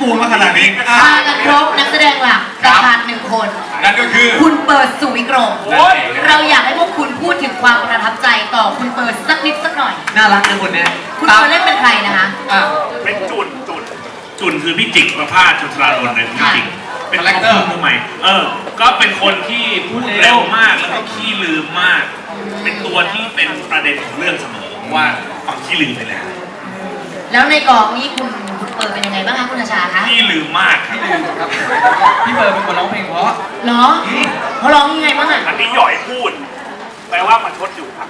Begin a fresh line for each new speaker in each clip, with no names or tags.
ปวงมาขนาดนี้
มากันครบนักแสดงหลักประธาน1 คน
นั่นก็คือ
คุณเปิดสุวิกรมเราอยากให้พวกคุณพูดถึงความประทับใจต่อคุณเปิดสักนิดสักหน่อย
น่ารักนะคนนี้
คุณเปิดเล่นเป็นใครนะคะ
เป็นจุนคือพี่จิกประภาสจุฬาลนท์ในพี่จิกเป็นคาแรคเตอร์มือใหม่ก็เป็นคนที่พูดเร็วมากแล้วก็ขี้ลืมมาก เป็นตัวที่เป็นประเด็นของเรื่องเสมอว่าความขี้ลืมไปแล้ว
ในกองนี้คุณเปิดเป็นยังไงบ้างคะคุณอาชาคะ
ขี้ลืมมากครับ
พี่เปิดเป็นคนร้องเพลงเพราะ
เหรอเขาร้องยังไงบ้างอ่ะ
อันนี้หย่อยพูดแปลว่ามันชดอยู่ครับ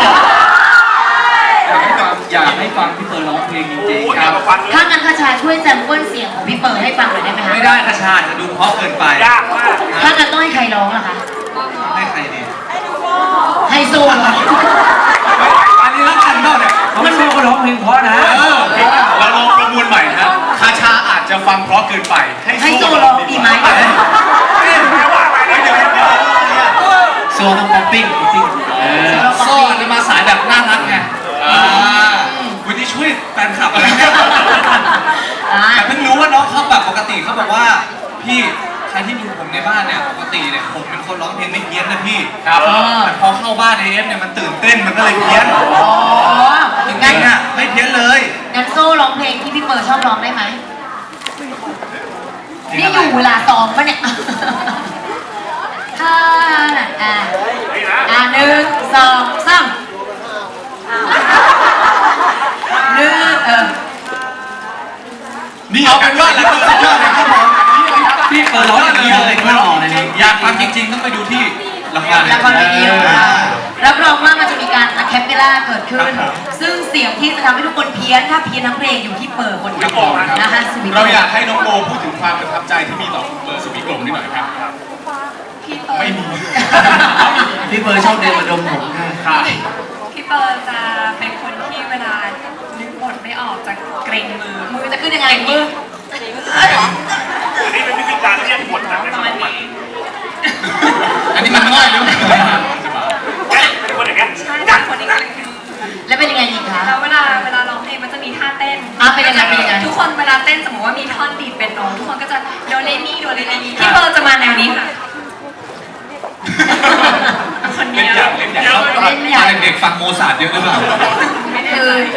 อยากให้ฟังพี่เปิดร้องเพลงจริงๆครับ
ถ้างั้นคาชาช่วยแซมเปิลเสียงของพี่เปิดให้ฟังหน่อยได้ไหมคะ
ไม่ได้คาชาจะดูเพราะเกินไป
ยากมาก
ถ้างั้นต้องให้ใครร้องล่ะคะ
ให้ใครดี
ให้โซ่เหรอ
อันนี้รักกันเปล่าเนี่ย
มันไม่คนร้องเพลงเพราะนะ
เราลองประมวลใหม่นะคาชาอาจจะฟังเพราะเกินไป
ให้โซ่ร้องดีไหม
โซ่ต้องป๊อปปิ้งโซ่จะมาสายแบบน่ารักไงวันนี้ช่วยแฟนคลับอะไรแต่เพิ่งรู้ว่าน้องเขาแบบปกติเขาบอกว่าพี่ใครที่ดูผมในบ้านเนี่ยปกติเนี่ยผมเป็นคนร้องเพลงไม่เพี้ยนนะพี่ครับแต่พอเข้าบ้านในเอฟเนี่ยมันตื่นเต้นมันก็เลยเพี้ยนจริงๆอ่ะไม่เพี้ยนเลย
งั้นโซ่ร้องเพลงที่พี่เปิดชอบร้องได้ไหมนี่อยู่เวลาซ้อมปะเนี่ยถ้าน่ะ1 2 3
นี่เอาเป็นว่าแล้วก็สุดยอดเลยครับผม
พี่เปิดร้องอย่างนี้เลยไม่หล่อเลย
อยากฟังจริงๆต้องไปดูที่ละคร
เวทีรับรองว่ามันจะมีการอะแคปเปล่าเกิดขึ้นซึ่งเสียงที่จะทำให้ทุกคนเพี้ยนถ้าเพี้ยนทั้งเพลงอยู่ที่เปิดคนเดียวนะคะ
เราอยากให้น้องโบพูดถึงความประทับใจที่มีต่อคุณเปิดสุวิกรมนิดหน่อยครับไม่มี
พี่เปิดชอบเดินมาดมผม
ค่ะ
พี่เปิร์จะเป็นคนที่เวลานึกบทไม่ออกจะเกรงมือ
จะขึ้นยังไงมือ
อันนี้เป็นวิธีการเรียกบทนะ
ประมาณนี้
อันนี้มันง่ายหรือเปล่า
เป็นคนอย่างเงี้ย
ใช่เป็นคนอย่างเงี้ย
แล้วเป็นยังไงอีกคะ
แล้วเวลาร้องเพลงมันจะมีท่าเต้น
เป็นยังไง
ทุกคนเวลาเต้นสมมติว่ามีท่อนดีดเป็นโน้ตทุกคนก็จะโดเรมีพี่เปิร์จะมาแนวนี้ค่ะคนเดียว
เล่นอย่างเด็กๆฟังโมซาร์ทเยอะหรือเปล่า